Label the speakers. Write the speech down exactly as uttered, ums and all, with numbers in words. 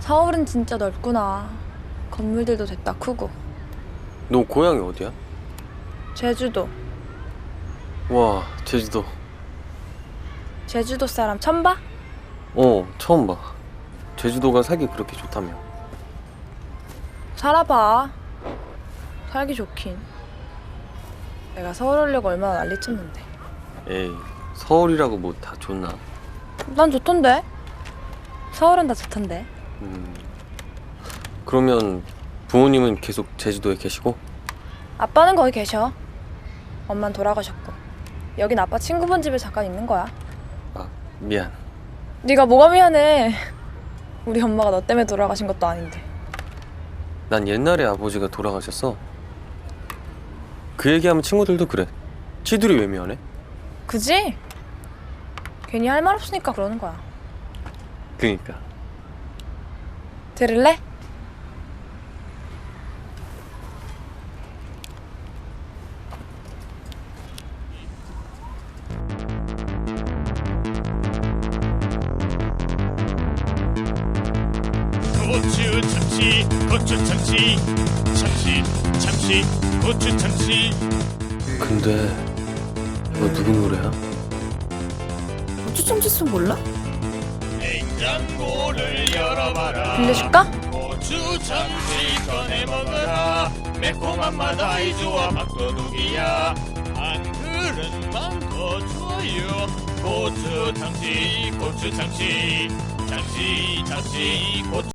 Speaker 1: 서울은 진짜 넓구나. 건물들도 됐다 크고.
Speaker 2: 너 고향이 어디야?
Speaker 1: 제주도.
Speaker 2: 와, 제주도.
Speaker 1: 제주도 사람 처음 봐?
Speaker 2: 어, 처음 봐. 제주도가 살기 그렇게 좋다며.
Speaker 1: 살아봐. 살기 좋긴. 내가 서울 오려고 얼마나 난리쳤는데.
Speaker 2: 에이, 서울이라고 뭐 다 좋나?
Speaker 1: 난 좋던데. 서울은 다 좋던데.
Speaker 2: 음. 그러면 부모님은 계속 제주도에 계시고?
Speaker 1: 아빠는 거기 계셔. 엄만 돌아가셨고. 여긴 아빠 친구분 집에 잠깐 있는 거야.
Speaker 2: 아, 미안.
Speaker 1: 네가 뭐가 미안해. 우리 엄마가 너 때문에 돌아가신 것도 아닌데.
Speaker 2: 난 옛날에 아버지가 돌아가셨어. 그 얘기하면 친구들도 그래. 지들이 왜 미안해?
Speaker 1: 그지? 괜히 할 말 없으니까 그러는 거야.
Speaker 2: 그니까.
Speaker 1: 들을래?
Speaker 3: 고추 참치 고추 참치 참치 참치 고추 참치.
Speaker 2: 근데 너 누구 노래야?
Speaker 1: 고추 참치송 몰라?
Speaker 3: 냉장고를 열어봐라.
Speaker 1: 빌려줄까?
Speaker 3: 고추 참치 꺼내 먹어라. 매콤한 맛 아이 좋아 밥도둑이야. 한 그릇만 더 줘요. 고추 참치 고추 참치 참치 참치 고추